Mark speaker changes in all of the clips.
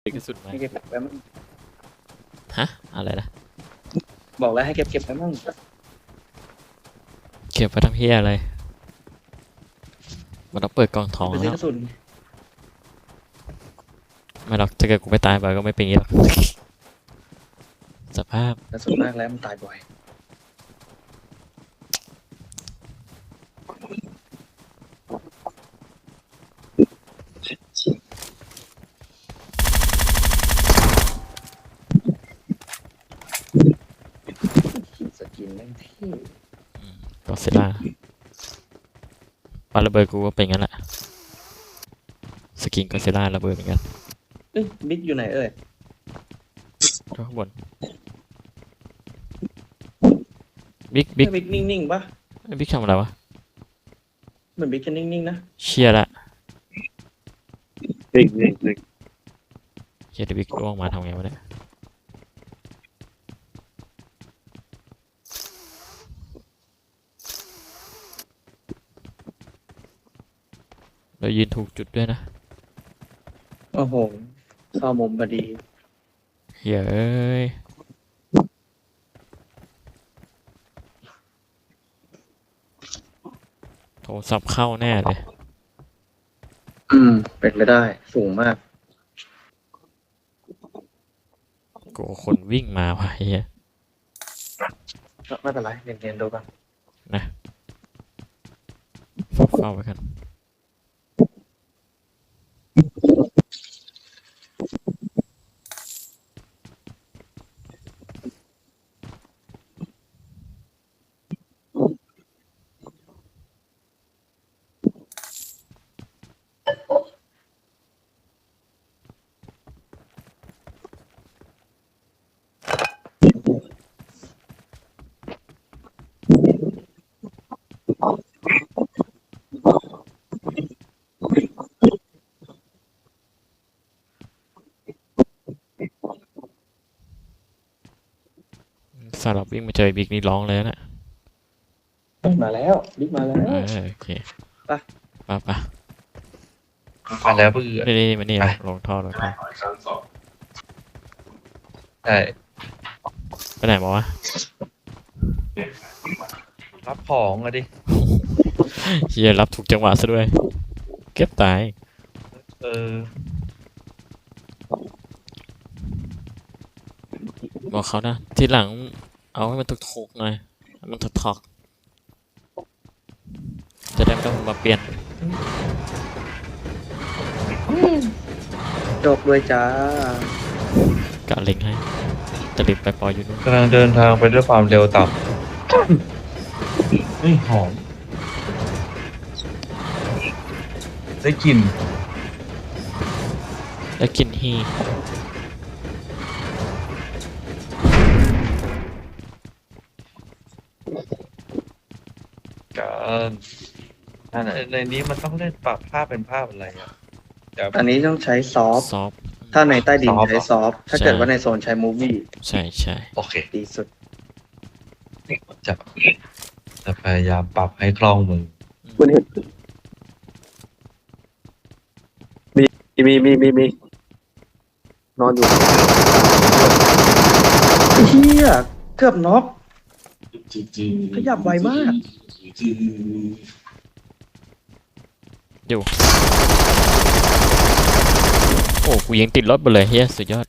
Speaker 1: เก็บกระสุนไหม
Speaker 2: ให้เก็บไว้มั่ง
Speaker 1: ฮะอะไรนะ
Speaker 2: บอกแล้วให้เก็บไว้มั่ง
Speaker 1: เก็บไปทำเฮียอะไรมันต้องเปิดกล่องทอง
Speaker 2: ไปซื้อ
Speaker 1: แล้ว
Speaker 2: กระสุน
Speaker 1: ไม่หรอกถ้าเกิดกูไปตายไปก็ไม่เป็นอย่างนี้หรอกสภาพ
Speaker 2: กระสุนมากแล้วมันตายบ่อยสกินแม่งเท่
Speaker 1: ก็เซล่าปาระเบิดกูก็เป็นงั้นแหละสกินก็เซล่าระเบิดเหมือนกัน
Speaker 2: เอ้ยบิ๊กอยู่ไหนเอ่ย
Speaker 1: ข้างบนบิ๊ก
Speaker 2: บิ๊กนิ่งๆปะ
Speaker 1: บิ๊กทำอะไรวะ
Speaker 2: เหมือนบิ๊กจะนิ่งๆนะ
Speaker 1: เชียร์ละ
Speaker 3: จริง
Speaker 1: เชียร์บิ๊กล่วงมาทำไงวะเนี่ยเรายืนถูกจุดด้วยนะ
Speaker 2: โอ้โหเข้ามุมพอดี
Speaker 1: เฮ้ยเอ้ยโทรศัพท์เข้าแน่เลย
Speaker 2: เป็นไปได้สูงมาก
Speaker 1: กูคนวิ่งมาว่ะเฮีย
Speaker 2: ไม่เป็นไรเรียนๆดูกัน
Speaker 1: นะเฝ้าไว้กันสำหรับวิ่งมาเจอบิ๊กนี่ร้องเลยนะ
Speaker 2: มาแล้วบิ๊กมาแล้ว
Speaker 1: โอเค
Speaker 2: ไป
Speaker 1: ไป
Speaker 3: มาแล้วเพื่อ
Speaker 1: นี่มานี่ลงท่อ
Speaker 3: ใช่
Speaker 1: ไปไหนมาวะ
Speaker 3: รับของอะดิ
Speaker 1: เฮียรับถูกจังหวะซะด้วยเก็บตาย
Speaker 3: เออ
Speaker 1: บอกเขานะทีหลังเอาให้มันถูกๆหน่อยให้มันถอกๆจะได้ไม่ต้องมาเปลี่ยน
Speaker 2: จบด้วยจ้าก
Speaker 1: ะเล็งให้จะรีบไปปล่อยอยู่นู่น
Speaker 3: กำลังเดินทางไปด้วยความเร็วต่ำนี่หอมได้กลิ่น
Speaker 1: แล้วกินฮี
Speaker 3: กันในนี้มันต้องเล่นปรับภาพเป็นภาพอะไรอ่ะ
Speaker 2: อันนี้ต้องใช้ซอฟต์
Speaker 1: ซอฟ
Speaker 2: ถ้าในใต้ดินใช้ซอฟต์ถ้าเกิด
Speaker 1: ใช่
Speaker 2: ว่าในโซนใช้มูฟวี่
Speaker 1: ใช่
Speaker 3: โอเค
Speaker 2: ดีสุด
Speaker 3: จะจะพยายามปรับให้คล่องมือ
Speaker 2: คุณเห็นมีนอนอยู่เฮียเกือบน็อกขยับไวมาก
Speaker 1: อยู่โอ้กูยังติดรถไปเลยเฮียสุดยอด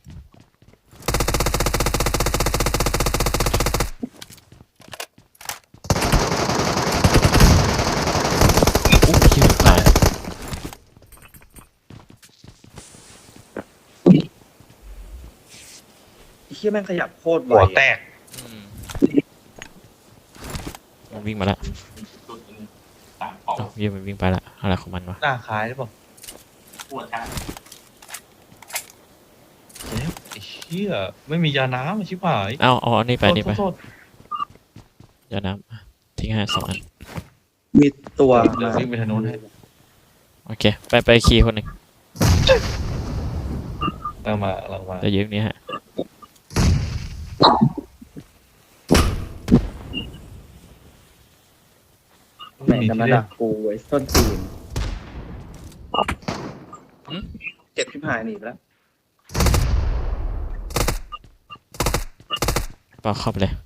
Speaker 1: เฮียตาย
Speaker 2: เฮียแม่งขยับโคตรไว
Speaker 3: หัวแตก
Speaker 1: มันวิ่งมาแล้วเฮียมันวิ่งไปละอะไรของมันวะ
Speaker 3: หน้าคล้ายหรือเปล่าไอ้เหี้ยไม่มียาน้ำชิบหาย
Speaker 1: เอาอันนี้ไปนี่ไป
Speaker 3: โทษ
Speaker 1: ยาน้ำทิ้งให้2 อัน
Speaker 2: มีตัว
Speaker 3: เดี๋ยววิ่งไปทางโน้นให้
Speaker 1: โอเคไปคีย์คนหนึ่ง
Speaker 3: เรามา
Speaker 1: จะยืมนี้ฮะ
Speaker 2: แม่งจะมาดักกูไว้ต้นตีนเจ็บชิบหายหนีแล้ว
Speaker 1: ปาเข้าไปเลย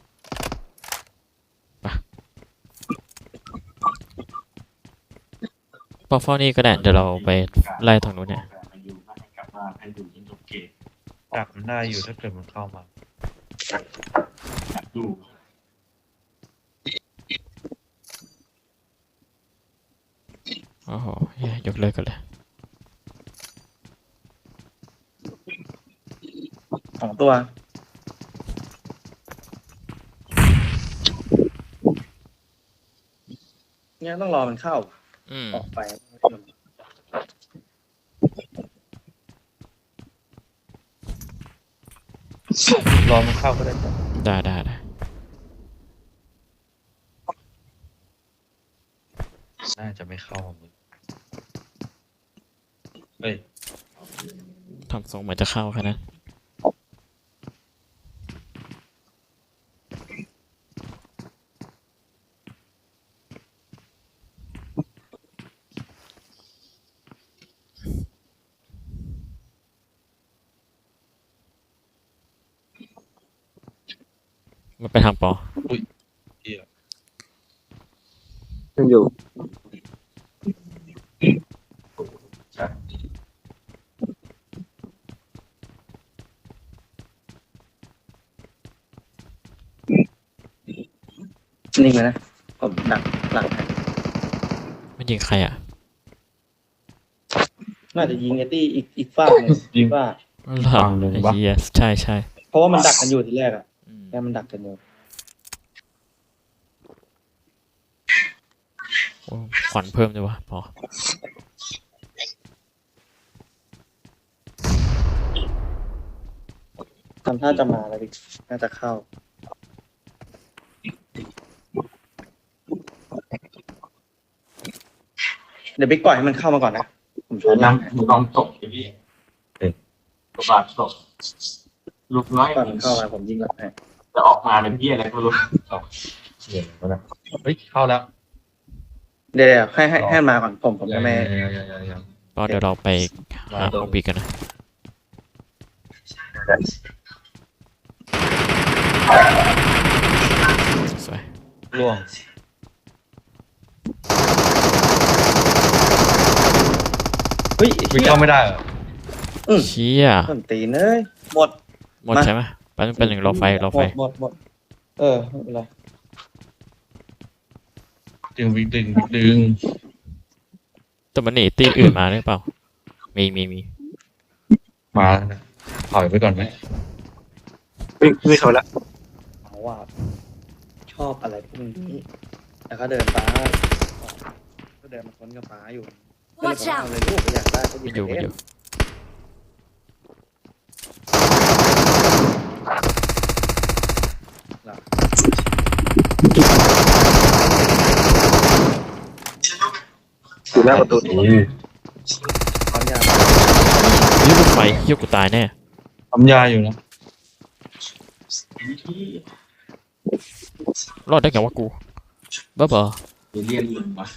Speaker 1: ไปปาเฝ้านี่ก็ได้เดี๋ยวเราไปไล่ทางนู้นเนี่ย
Speaker 3: ดักมันได้อยู่ถ้าเกิดมันเข้ามา
Speaker 1: โอ้โหเหี้ยยกเลิกกันเลย
Speaker 2: 2 ตัว เนี่ยต้องรอมันเข้า
Speaker 1: อืม
Speaker 2: ออกไป
Speaker 3: รอมันเข้าก็ได้
Speaker 1: ได้
Speaker 3: น่าจะไม่เข้ามึงเฮ้ย
Speaker 1: ทำทรงเหมือนจะเข้าแค่นั้นมันไปทางปอ
Speaker 3: เหี้ย
Speaker 2: ยังอยู่ นิ่งไปนะ ผมดักหลังให้
Speaker 1: มันยิงใครอ่ะ
Speaker 2: น่าจะยิงไอ้ตี้อีกฝากหนึ่งยิงว่า
Speaker 1: หลังไอ้เหี้ยใช่
Speaker 2: เพราะว่ามันดักกันอยู่ทีแรกอ่ะ
Speaker 1: อืม
Speaker 2: แค่มันดักกันอยู่
Speaker 1: โอ้ขวัญเพิ่มด้วยวะปอ
Speaker 2: ทำท่าจะมาแล้วดิน่าจะเข้า เดี๋ยวบิ๊กปล่อยให้มันเข้ามาก่อนนะ ผมช้อน
Speaker 4: นั่
Speaker 2: นั่
Speaker 4: ง
Speaker 2: ง
Speaker 4: มึงลองตกดิพี่ตัวบาดตกลูกน้อย
Speaker 2: ก่อนมันเข้ามาผมยิงหลังให้
Speaker 4: จะออกมาเป็นพี่อะไรก็ไม่รู้
Speaker 3: เหี้ยแล้วนะเฮ้ยเข้าแล้ว
Speaker 2: เดี๋ยวให้มันมาก่อนผมจะไม่
Speaker 3: ยัง
Speaker 1: ปอเดี๋ยวเราไปหาของบีกันนะสวย
Speaker 3: ล่วง
Speaker 2: เฮ้ย
Speaker 3: วิ่งเข้าไม่ได้เหรอ
Speaker 1: เชี่ย
Speaker 2: ต้นตีนเอ้ยหมด
Speaker 1: หมดใช่ไหมเป็นหนึ่งรอไฟ
Speaker 2: หมดเออไม่เป็นไร
Speaker 3: ดึงดึง
Speaker 1: แต่มันหนีตีอื่นมาหรือเปล่ามี
Speaker 3: มาแล้วนะถอยไปก่อนไหม
Speaker 4: วิ่งเขาละ
Speaker 2: เอาว่าชอบอะไรพวกนี้แล้วก็เดินฟ้าก็เดินมาค้นกับฟ้าอยู่ก็เลย
Speaker 5: Watch
Speaker 2: บอกว่า
Speaker 5: out
Speaker 2: เอาเลยลูกอยากได้ก็หยิ
Speaker 1: มั
Speaker 2: บ
Speaker 1: นอยู่
Speaker 2: ไป
Speaker 1: มันอ
Speaker 2: เล่น
Speaker 1: ยู่
Speaker 4: อยู่หน้าประตู
Speaker 2: ความยาก
Speaker 1: ยืดไฟเหี้ยกูตายแน่
Speaker 3: ทำยาอยู่นะ
Speaker 1: รอดได้ไงวะกูบ้าบอ
Speaker 4: เรียนมึงวะ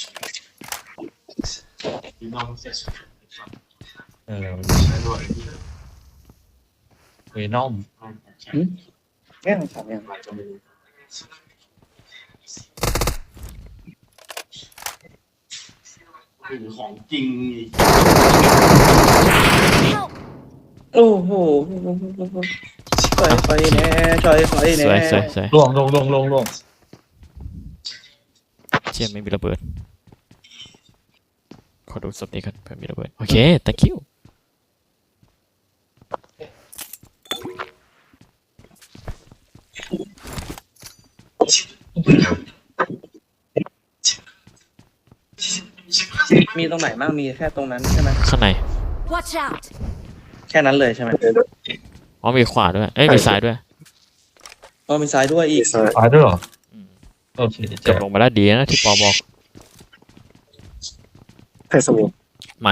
Speaker 4: พี่น้องเสร็จ
Speaker 3: เออ
Speaker 4: แล้วด้วย
Speaker 3: เวนอม
Speaker 2: แม่งถามยัง
Speaker 4: อะไรก็ไม่รู้คือของจริง
Speaker 5: Help!
Speaker 2: โอ้โหช่วยไฟแน่ช่วยไฟ
Speaker 1: ส
Speaker 2: แน่
Speaker 1: วย
Speaker 3: ล่วง
Speaker 1: เชี่ยไม่มีระเบิดขอดูศพนี้ก่อนเผื่อมีระเบิดโอเค thank you
Speaker 2: มีตรงไหนบ้างมีแค่ตรงนั้นใช่ไหม
Speaker 1: ข้างใน
Speaker 5: Watch out!
Speaker 2: แค่นั้นเลยใช่ไหม
Speaker 1: อ๋อมีขวาด้วยเอ้ยมีซ้ายด้วย
Speaker 2: อ๋อมีซ้ายด้วยอีก
Speaker 3: ตายด้วยเหรอ
Speaker 1: อืม
Speaker 3: โอเค
Speaker 1: จบลงมาแล้วดีนะที่ปอบอก
Speaker 4: เทสโว
Speaker 1: มัน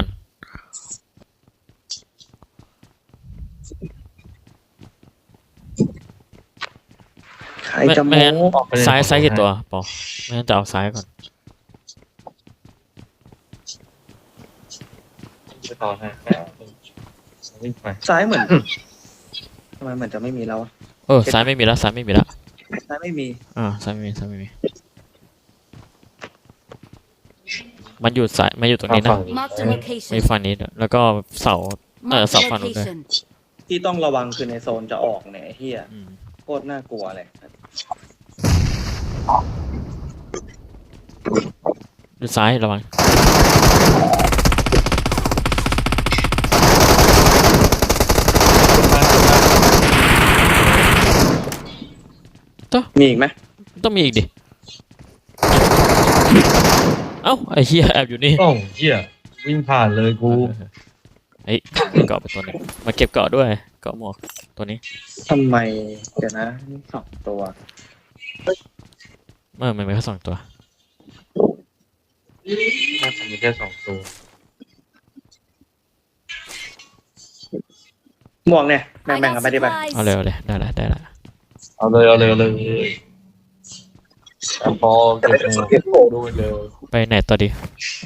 Speaker 2: ใครจะโม้
Speaker 1: ไม่งั้นซ้ายกี่ตัวปอไม่งั้นจะเอาซ้ายก่อน
Speaker 3: ไปต่อให้วิ่งไป
Speaker 2: ซ้ายเหมือนทำไมเหมือนจะไม่มีแล้วอะ
Speaker 1: ซ้ายไม่มีแล้วซ้ายไม่มีแล้ว
Speaker 2: ซ้ายไม่มี
Speaker 1: ซ้ายไม่มีซ้ายไม่มีมันอยู่ซ้ายมันอยู่ตรงนี้นะ
Speaker 5: Marked a
Speaker 1: มี
Speaker 5: location.
Speaker 1: ฝั่งนี้ด้วยแล้วก็เสา
Speaker 5: Marked a
Speaker 1: เสาฝั่งนู้นด้วย
Speaker 5: location.
Speaker 2: ที่ต้องระวังคือในโซนจะออกเนี่ยไอ้เฮีย
Speaker 1: อืม
Speaker 2: โคตรน่ากลัวเลย
Speaker 1: ดูซ้ายระวัง
Speaker 2: มีอีกไหม
Speaker 1: ต้องมีอีกดิ เอ้าไอ้เหี้ยแอบอยู่นี่
Speaker 3: โอ้เหี้ยวิ่งผ่านเลยกู
Speaker 1: เฮ้ยเกาะไปตัวหนึงมาเก็บเกาะด้วยเกาะหมวกตัวนี้
Speaker 2: ทำไมเดี๋ยวนะนี่สองตัว
Speaker 1: มันมีแค่2 ตัว
Speaker 3: น่าจะมีแค่2 ตัว
Speaker 2: หมวกเนี่ยแบ่ง
Speaker 5: I
Speaker 2: แบ่ง
Speaker 5: got
Speaker 2: กันไปดิไป
Speaker 5: supplies.
Speaker 1: เอาเลยเอาเลยได้ละได้ละ
Speaker 3: เอาเลยแต่พอเก็บหมวกดูเลย
Speaker 1: ไปไหนต่อดี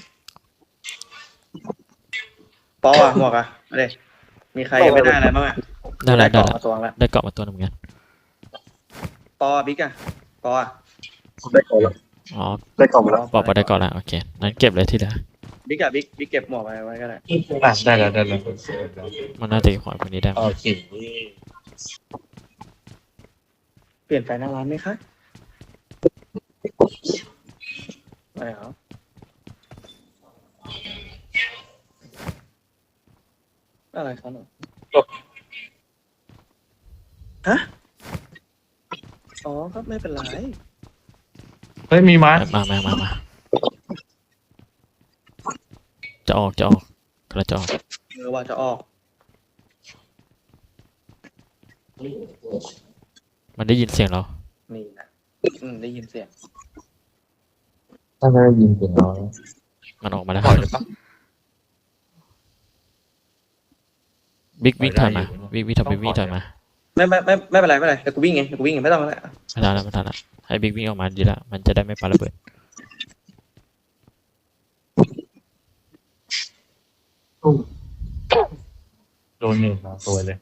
Speaker 2: ปออ่ะหมวกอ่ะมาเลยมีใครยังไม่ได้อะไรบ้างอ่ะ
Speaker 1: ได้ละได้
Speaker 2: เกาะ
Speaker 1: ละ
Speaker 2: มาตัวละ
Speaker 1: ได้เกาะมาตัวหนึงเหมือนกัน
Speaker 2: ปอบิ๊กอ่ะปออ่ะ
Speaker 4: ได้ก่อนแล้ว
Speaker 1: อ๋อ
Speaker 4: ได้ก่อนมาแล้ว
Speaker 1: ปอได้เกาะละโอเคนั้นเก็บเลยที่เหลือ
Speaker 2: บิ๊กอ่ะบิ๊กเก็บหมวกไว้ก็ได้
Speaker 3: ได้แล้ว
Speaker 1: มันน่าจะอยู่ขวาคนนี้ได้มั้ย
Speaker 3: โอเค
Speaker 2: เปลี่ยนไฟหน้าร้านไหมคะไม่เอาอะไรครับหนูฮะอ๋อครับไม่เป็นไร
Speaker 3: เฮ้ยมีม้า
Speaker 1: มาจะออกกระจะออก
Speaker 2: ว่าจะออก
Speaker 1: มันได้ยินเสียงเรา
Speaker 2: นี่นะได้ยินเสียง
Speaker 3: ถ้าได้ยินเสียงเรา
Speaker 1: มันออกมาแล้ว
Speaker 3: ปล่อยเลยปะ
Speaker 1: บิ๊กถอยมาบิ๊กถอยมา
Speaker 2: ไม่เป็นไรเดี๋ยวกูวิ่งเองไม่ต้องแล้ว
Speaker 1: ไม่ทันละให้บิ๊กวิ่งออกมาดีละมันจะได้ไม่ปาระเบิด
Speaker 3: โดนหนึ่งมาตัวเลย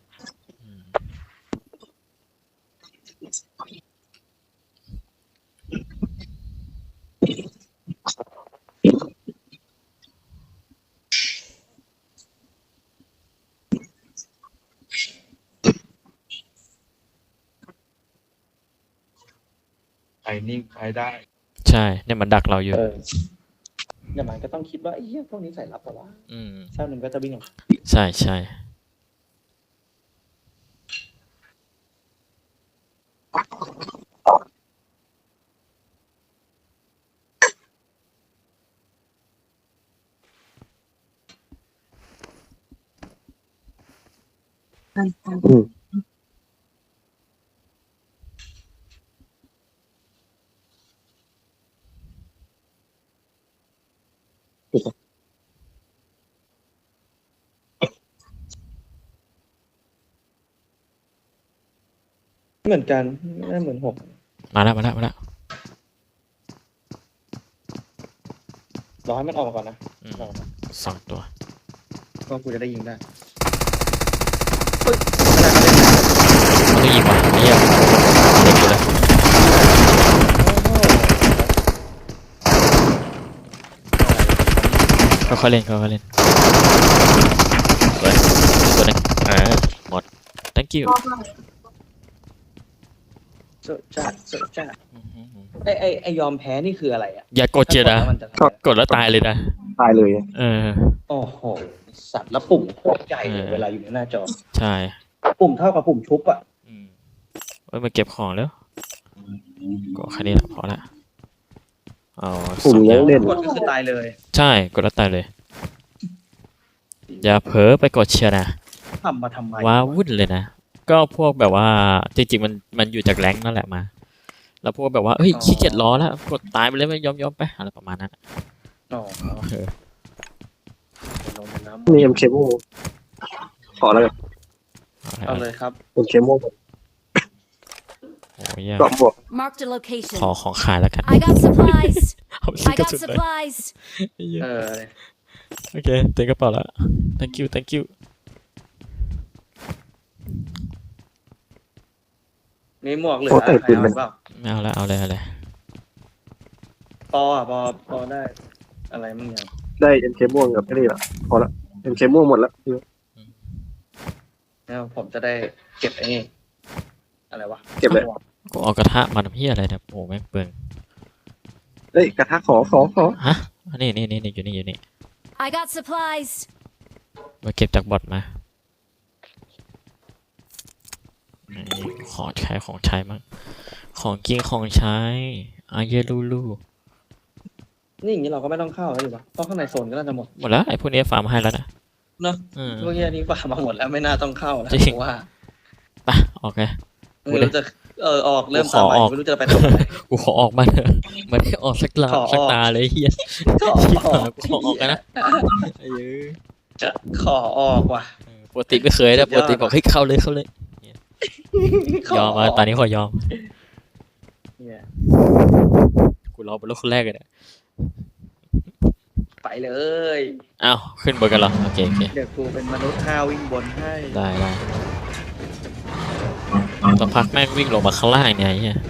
Speaker 3: ใครนิ่งใครได้
Speaker 1: ใช่เนี่ยมันดักเราอยู่
Speaker 2: เดี๋ยวมันก็ต้องคิดว่าไอ้เหี้ยพวกนี้ใส่รับแต่ว่า
Speaker 1: อืม
Speaker 2: เช้าหนึ่งก็จะวิ่งออกมา
Speaker 1: ใช่
Speaker 2: เหมือนกันไม่เหมือนหก
Speaker 1: มาแล้ว
Speaker 2: รอให้มันออกมาก่อนนะ
Speaker 1: อืม2 ตัว
Speaker 2: ก็กูจะได้ยิงได้
Speaker 1: มันต้องยิงว่ะเหี้ยเด็กอยู่เลยค่อยๆเล่นสวยตัวหนึงหมด thank you
Speaker 2: โซจ้าไอยอมแพ้นี่คืออะไรอ่ะ
Speaker 1: อย่ากดเจนะ
Speaker 2: ถ้ากดแล้วมันจะทำอะไร
Speaker 1: กดแล้วตายเลยนะ
Speaker 4: ตายเลย
Speaker 1: เออ
Speaker 2: โอ้โหสัตว์แล้วปุ่มโคตรใหญ่เลยเวลาอยู่ในหน้าจอ
Speaker 1: ใช่
Speaker 2: ปุ่มเท่ากับปุ่มชุบอ่ะ
Speaker 1: มาเก็บของแล้วก็แค่นี้แหละพอละเอา
Speaker 4: ปุ่ม
Speaker 1: 2
Speaker 4: ยังเล่น
Speaker 2: กดก็คือตายเลย
Speaker 1: ใช่กดแล้วตายเลย อย่าเผลอไปกดเชียร์นะ
Speaker 2: ทำมาทำไม
Speaker 1: ว้าวุ่นเลยนะ ก็พวกแบบว่าจริงๆมันอยู่จากแรงค์นั่นแหละมา แล้วพวกแบบว่าเฮ้ยขี้เกียจล้อแล้วกดตายไปเลยไม่ยอมไปอะไรประมาณนั้นอะ
Speaker 2: อ๋อ
Speaker 1: เออ
Speaker 2: ลงน้ำ
Speaker 4: มีเอ็มเคโมขอแล้วกัน
Speaker 2: เอาเลยครับ
Speaker 4: เอ็มเคโม
Speaker 1: โอ้ย
Speaker 4: กรอบบวก
Speaker 5: Marked a location.
Speaker 1: ขอของขายแล้วกัน
Speaker 5: I got supplies.
Speaker 1: เอาซื้อ
Speaker 5: I
Speaker 1: กระ
Speaker 5: got
Speaker 1: สุนเลย
Speaker 5: supplies.
Speaker 1: โอเคเต็มกระเป๋าแล้ว thank you
Speaker 2: มีหมวกเหลือ
Speaker 5: โอ้แต่
Speaker 2: ใคร
Speaker 5: ปืน
Speaker 2: เอา
Speaker 5: มัน
Speaker 2: เปล่า
Speaker 1: ไม่เอาละเอาเลยเอาเลย
Speaker 2: ปออ่ะปอได้ อะไรมึงยัง
Speaker 5: ได้ MK ม่วงกับไอ้นี่ละพอละ MK ม่วงหมดละ
Speaker 2: แล้วผมจะได้เก็บไอ้นี่อะไรวะ
Speaker 5: เก็บเลย
Speaker 1: กูเอากระทะมาทำเพี้ยอะไรเนี่ยโอ้แม่งเปลือง
Speaker 5: เฮ้ยกระทะขอ
Speaker 1: ฮะนี่อยู่นี่
Speaker 6: I got supplies.
Speaker 1: มาเก็บจากบอทมานี่ของใช้มั้งของกินของใช้อาเยลูลู
Speaker 2: นี่อย่างนี้เราก็ไม่ต้องเข้าแล้วดิวะเพราะข้างในโซนก็น่าจะหมด
Speaker 1: หมดแล้วไอ้พวกนี้ฟาร์มให้แล้วนะ
Speaker 2: เนอะ
Speaker 1: อืม
Speaker 2: พวกเฮียนี้ฝ่ามาหมดแล้วไม่น่าต้องเข้าแล้ว
Speaker 1: จริง
Speaker 2: ผมว่า
Speaker 1: ไปโอเค
Speaker 2: ไม่รู้จะออกเริ่ม
Speaker 1: ขอ
Speaker 2: ตามใหม่
Speaker 1: ออก
Speaker 2: ไม่รู้จะไปทำอะไร
Speaker 1: กูขอออกมาเถอะไม่ได้ออกสักลา
Speaker 2: ขอออก
Speaker 1: สักตาเลยเฮีย
Speaker 2: ขอ
Speaker 1: ชิบ
Speaker 2: ออ
Speaker 1: หาย
Speaker 2: ก
Speaker 1: กูขอออกกันนะไอ้เหี้ย
Speaker 2: จะขอออกว่ะ
Speaker 1: ปกติไม่เคยนะ
Speaker 2: สุ
Speaker 1: ป
Speaker 2: ดยอด
Speaker 1: กติบอกให้เข้าเลยยอมมาตอนนี้ขอยอม
Speaker 2: เนี่ย
Speaker 1: กูรอเป็นลูกคนแรกเลยเนี่ย
Speaker 2: ไปเลย
Speaker 1: อ้าวขึ้นบนกันเหรอโอเค
Speaker 2: เดี๋ยวกูเป็นมนุษย์ห้าววิ่งบนให้
Speaker 1: ได้สักพักแม่งวิ่งลงมาข้างล่างเนี่ยไอ้เฮีย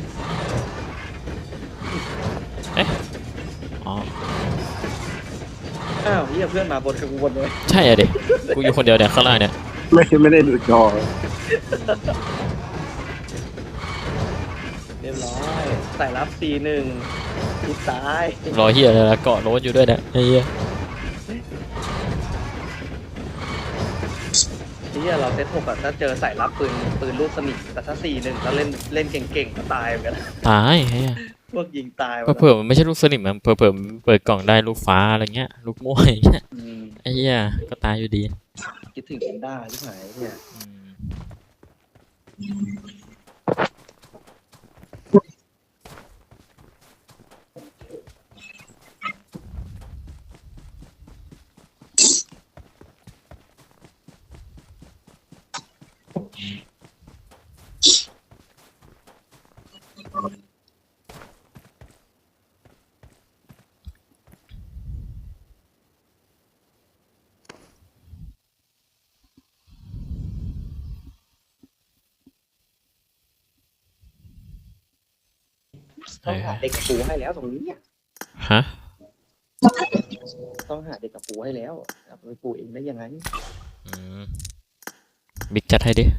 Speaker 1: เอ๊ะอ๋อ
Speaker 2: อ้าวเฮียเพื่อนมาบนกับกูบนเลย
Speaker 1: ใช่อะดิกูอยู่คนเดียวเนี่ยข้างล่างเนี่ย
Speaker 5: ไม่ได้ดูจอ
Speaker 2: เรียบร้อยใส่รับC1ทิศซ้าย
Speaker 1: รอเฮียเลยละเกาะโรสอยู่ด้วยเนี่ยไอ้เฮีย
Speaker 2: เฮียเราเซต6อะถ้าเจอใส่รับปืนลูกสนิทแต่ถ้าC1แล้วเล่นเก่งๆก็ตายเหมือนกัน
Speaker 1: ตายไอ้เฮีย
Speaker 2: พวกยิงตายหมด
Speaker 1: เผื่อๆมันไม่ใช่ลูกสนิมมันเผื่อๆมันเปิดกล่องได้ลูกฟ้าอะไรเงี้ยลูกม่วงอย่างเงี้ย
Speaker 2: อืม
Speaker 1: ไอ้เหี้ยก็ตายอยู่ดี
Speaker 2: คิดถึงแพนด้าที่ไหนเนี่ย
Speaker 1: อืม
Speaker 2: ต้องหาเด็กกับปูให้แล้วตรงนี้เนี่ย
Speaker 1: ฮะ
Speaker 2: ต้องหาเด็กกับปูให้แล้วเอาไปปูเองได้ยังไง
Speaker 1: อืมบิ๊กจัดให้ดิ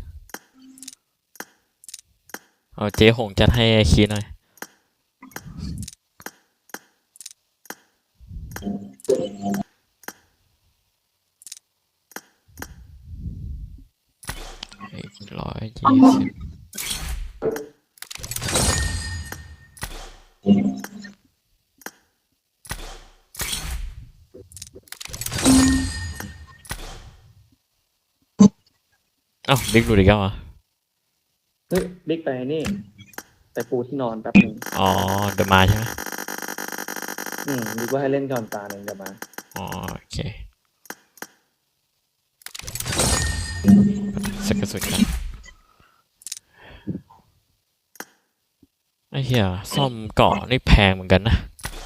Speaker 1: เอาเจ๊หงจัดให้ไอ้คีหน่อยอีก120เอ้าบิ๊กดูดิครับวะ
Speaker 2: เฮ้ยบิ๊กไปนี่ไปปูที่นอนแป๊บหนึง
Speaker 1: อ๋อเดอะมาใช่ไหม
Speaker 2: บิ๊กว่าให้เล่นก่อนตาหนึ่งเดี๋ยวมา
Speaker 1: อ๋อโอเคสักกระสุนกันไอ้เหี้ยซ่อมเกาะนี่แพงเหมือนกันนะ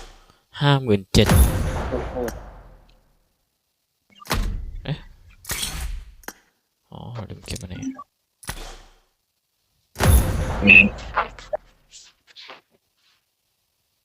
Speaker 1: 57,000
Speaker 2: โคตร
Speaker 1: อ๋อลืมเก็บมาไหน